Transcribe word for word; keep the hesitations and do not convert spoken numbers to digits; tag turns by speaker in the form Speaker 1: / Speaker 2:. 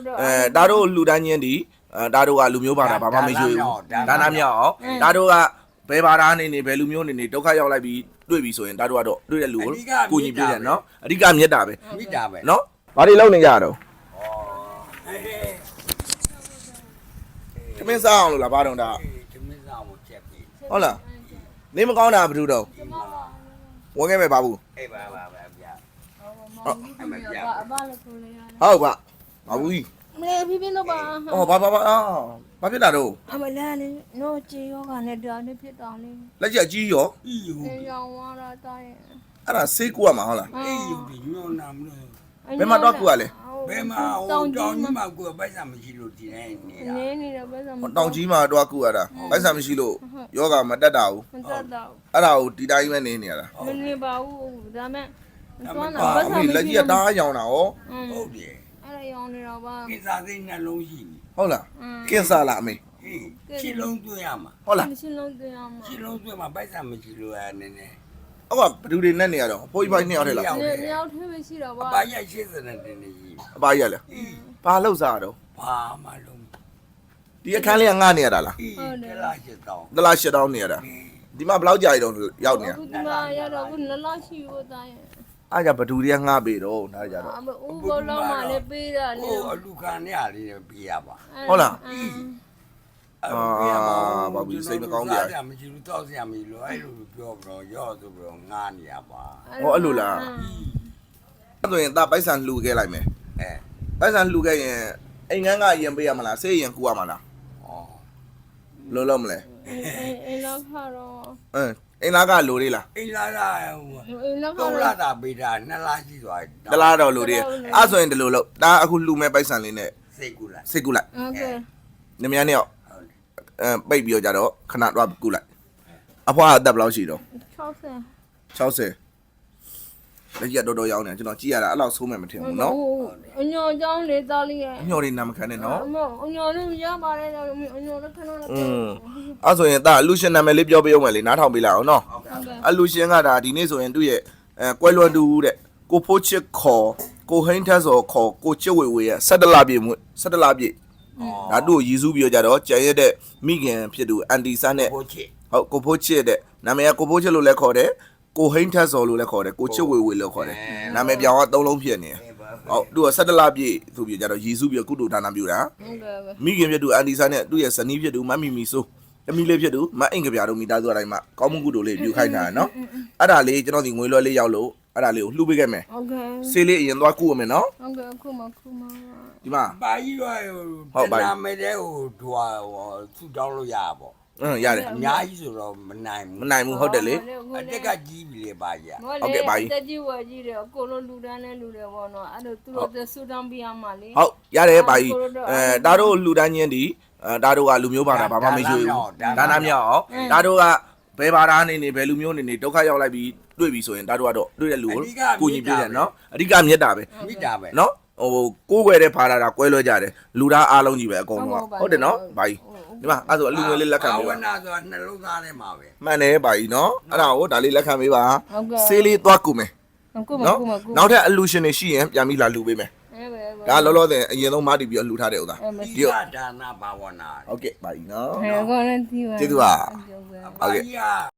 Speaker 1: အဲဒါတို့လူတိုင်းချင်းဒီအဲဒါတို့ကလူမျိုးဘာသာဘာမှမရှိဘူးဒါနာမြောက်အောင်ဒါတို့ကဘယ်ဘာသာနေနေဘယ်လူမျိုးနေနေဒုက္ခရောက်လိုက်ပြီးတွေ့ပြီဆိုရင်ဒါတို့ကတော့တွေ့တဲ့လူကိုကိုညီပြတယ်နော်အဓိကမြတ်တာပဲ
Speaker 2: မြတ်တာပဲ
Speaker 1: နော်ဘာတွေလုပ်နေကြတော့ခမင်းစားအောင်လို့လားဘာတော့ဒါ
Speaker 2: ခမင်းစားအောင်ချက်ပြီ
Speaker 1: ဟုတ်လားနေမကောင်းတာဘာလို့တော့ဝင်ခဲ့မယ်ဘာဘူး
Speaker 2: အေးပါပါပါဗျာ
Speaker 3: ဟုတ်အမပြအဘလည်းကိုလေးရတယ်
Speaker 1: ဟုတ်ပါဘာဘူးကြီး
Speaker 3: မလေးပြပြတော့ပါ
Speaker 1: အော်ဘာဘာဘာဘာဖြစ်တာတော့
Speaker 3: အမလည်းလေနို့ကြေရောကလည်းဒါလေးဖြစ်တာလေ
Speaker 1: လက်ချက်ကြီးရော
Speaker 2: အီယူ
Speaker 3: အေးရောင်းသွားတာတိုင်း
Speaker 1: အဲ့ဒါဆေးကူရမှာဟုတ်လား
Speaker 2: အေးယူဒီညောနာမလို့
Speaker 1: ဘယ်မှာတော့ကူရလဲ
Speaker 2: ဘယ်မှာတောင်ကြီးမှာကူပိုက်ဆံမရှိလို့ဒီနေ့နေတာ
Speaker 3: နေနေတော့ပိုက်ဆံ
Speaker 1: တောင်ကြီးမှာတော့ကူရတာပိုက်ဆံမရှိလို့ယောဂမတက်တာဘူး
Speaker 3: မတက်တော့
Speaker 1: အဲ့ဒါကိုဒီတိုင်းပဲနေနေရတာ
Speaker 3: မနေပါဘူးဒါမဲ့
Speaker 1: သွားတာပိုက်ဆံလက်ကြီးကတားရောင်တာဟော
Speaker 2: ဟုတ်တယ်
Speaker 3: အဲ့ဒါရောင်နေတော့ပါ
Speaker 2: ကိစားသိနှလုံးရှိပြီ
Speaker 1: ဟုတ်လားကင်းစားလားအမေ
Speaker 2: ရှင်းလုံးတွေ့ရမှာ
Speaker 1: ဟုတ်လား
Speaker 3: ရှင်းလုံးတွေ့ရမှာ
Speaker 2: ရှင်းလုံးတွေ့မှာပိုက်ဆံမရှိလို့ရနေနေ
Speaker 1: ဟုတ်ကဘဒူတွေနဲ့နေရတော့ဖိုးကြီးပိုင်းနှစ်ယောက်ထဲလား
Speaker 3: နှစ်ယောက်ထဲပဲရှိတော့ပါ
Speaker 2: အပါရရှင်းစတဲ့တင်နေကြီး
Speaker 1: အပါရလဲဘာလောက်စားတော့
Speaker 2: ဘာမှလုံး
Speaker 1: ဒီအခန်းလေးကငှားနေရတာလား
Speaker 2: ဟုတ်တယ်လားရှစ်တောင်း
Speaker 1: တလားရှစ်တောင်းနေရတာဒီမှာဘယ်လောက်ကြာရတော့ရောက်နေရ
Speaker 3: အခုဒီမှာရတော့ခုနလရှိဖို့တိုင်း
Speaker 1: အားကြဘဒူတွေကငှားပေတော့နားကြတော့
Speaker 3: အမဦးဘောလုံးမှလည်းပေးတာလေ
Speaker 2: ဟိုအလူခံနေရလေးပေးရပါ
Speaker 1: ဟုတ်လား
Speaker 2: အာဘာဘူးစိတ်မကောင်းကြရမရှိဘူးတောက်စရာမရှိလို့အဲ့လိုပြောပြီးတော့ရော့ဆိုပြီးတော့ငားနေရပါ
Speaker 1: ဟောအဲ့လိုလားအဲ့ဆိုရင်ဒါပိုက်ဆံလှူခဲ့လိုက်မယ်
Speaker 2: အဲ
Speaker 1: ပိုက်ဆံလှူခဲ့ရင်အိမ်ငန်းကရင်ပေးရမလားဆေးရင်ကူရမလား
Speaker 2: ဩ
Speaker 1: လုံးလုံးမလဲ
Speaker 3: အိမ်လောက်ခါတော့
Speaker 1: အင်းအိမ်သားကလိုလေးလား
Speaker 2: အိမ်လာတာဟို
Speaker 3: အိမ်လောက်ခါ
Speaker 2: တော့လာတာပေးတာနှစ်လားရှိသွား
Speaker 1: တလားတော့လိုလေးအဲ့ဆိုရင်ဒီလိုလို့ဒါအခုလှူမဲ့ပိုက်ဆံလေးနဲ့
Speaker 2: စိတ်ကူလိုက်
Speaker 1: စိတ်ကူလိုက်
Speaker 3: โอเค
Speaker 1: နမယားနဲ့အဲပိတ်ပြီးတော့ကြတော့ခဏတော့ကူလိုက်အဖွားအသက်ဘယ်လောက်ရှိတော့
Speaker 3: ၆၀
Speaker 1: ၆၀လက်ရတော်တော်ရောင်းနေကျွန်တော်ကြည့်ရတာအဲ့လောက်ဆိုးမှမထင်ဘူးเนาะ
Speaker 3: အညော်ကြောင်းလေးသားလေးရဲ့
Speaker 1: အညော်လေးနာမခံနဲ့เนาะ
Speaker 3: အညော်လေးရပါတယ်အညော်လေးခဏတော့
Speaker 1: อืมအဲ့ဆိုရင်ဒါအလူရှင်နာမည်လေးပြောပေးအောင်မယ်လေနားထောင်ပေးလိုက်အောင်เนาะအလူရှင်ကဒါဒီနေ့ဆိုရင်သူ့ရဲ့အဲကွဲလွန်တူတဲ့ကိုဖိုးချစ်ခေါ်ကိုဟိန်းထက်စော်ခေါ်ကိုချစ်ဝေဝေရဲ့၁၇လပြည့်၁၇လပြည့်ဒါတို့ရည်စူးပြီးတော့ကြတော့ကျန်ရတဲ့မိခင်ဖြစ်သူအန်တီဆန်းနဲ့ဟုတ်ကိုဖိုးချစ်တဲ့နာမည်ကကိုဖိုးချစ်လို့လည်းခေါ်တယ်ကိုဟိန်းထက်စော်လို့လည်းခေါ်တယ်ကိုချစ်ဝေဝေလို့ခေါ်တယ်နာမည်ပြောင်းကသုံးလုံးဖြစ်နေဟုတ်သူက၁၇လပြည့်သူပြီးကြတော့ရည်စူးပြီးကုတုဒါနပြုတာမိခင်ဖြစ်သူအန်တီဆန်းနဲ့သူ့ရဲ့ဇနီးဖြစ်သူမမီမီဆိုးအမီလေးဖြစ်သူမအင်္ဂပြာတို့မိသားစုအတိုင်းမှာကောင်းမှုကုတုလေးပြုခိုင်းတာနော်အဲ့ဒါလေးကျွန်တော်ဒီငွေလွှဲလေးရောက်လို့အဲ့ဒါလေးကိုလှူပေးခဲ့မယ်
Speaker 3: ဟုတ်ကဲ့
Speaker 1: ဆေးလေးအရင်သွားကုရမယ်နော်
Speaker 3: ဟုတ်ကဲ့ခုမှခုမှ
Speaker 1: ဒီမှာ
Speaker 2: ဘာကြီးရွာဟုတ်ပါနာမည်တဲ့ဟိုဒွာဟိုသူ့တောင်းလို့ရပါပေါ့
Speaker 1: အင်းရတယ်
Speaker 2: အများကြီးဆိုတော့မနိုင်ဘူး
Speaker 1: မနိုင်ဘူးဟုတ်တယ်လေ
Speaker 2: အတက်ကကြီးပြီလေပါကြီး
Speaker 1: ဟုတ်ကဲ့ပါကြီး
Speaker 3: တက်ကြီးဝယ်ကြီးတယ်အကုန်လုံးလူတန်းနဲ့လူတယ်ပေါ့နော်အဲ့လိုသူတို့ဆူတောင်းပြရမှာလေ
Speaker 1: ဟုတ်ရတယ်ပါကြီးအဲဒါတို့လူတန်းချင်းဒီအဲဒါတို့ကလူမျိုးဘာသာဘာမှမရှိဘူးဒါနာမြောက်အောင်ဒါတို့ကဘယ်ဘာသာနေနေဘယ်လူမျိုးနေနေဒုက္ခရောက်လိုက်ပြီးတွေ့ပြီဆိုရင်ဒါတို့ကတော့တွေ့တဲ့လူကိုကိုညီပြတယ်နော်အဓိကမြတ်တာပဲ
Speaker 2: မြတ်တာပဲ
Speaker 1: နော်ဟိုကိုးွယ်တဲ့ဖာလာတာကွဲလွဲကြတယ်လူသားအားလုံးကြီးပဲအကုန်လုံးဟုတ်တယ်နော်ဘာကြီးဒီမှာအဲ့ဆိုအလူငွေလေးလက်ခံပေးပါ
Speaker 2: ဝနာဆိုတာနှလုံးသားထဲမှာပဲ
Speaker 1: မှန်တယ်ဘာကြီးနော်အဲ့ဒါကိုဒါလေးလက်ခံပေးပါဆေးလေးသွားကူမယ်
Speaker 3: နော်
Speaker 1: နောက်ထပ်အလူရှင်တွေရှိရင်ပြန်ပြီးလာလူပေးမယ်ဒါလောလောဆယ်အရင်ဆုံးမတီးပြီးတော့လှူထားတဲ့ဥစ္စာ
Speaker 2: ဒီဒါနာဘာဝနာ
Speaker 1: ဟုတ်ကဲ့ပါကြီးနော်
Speaker 3: ဟဲ့ကောလည်းဒီပါ
Speaker 1: ကျေးဇူးပါ
Speaker 2: ဟုတ်ကဲ့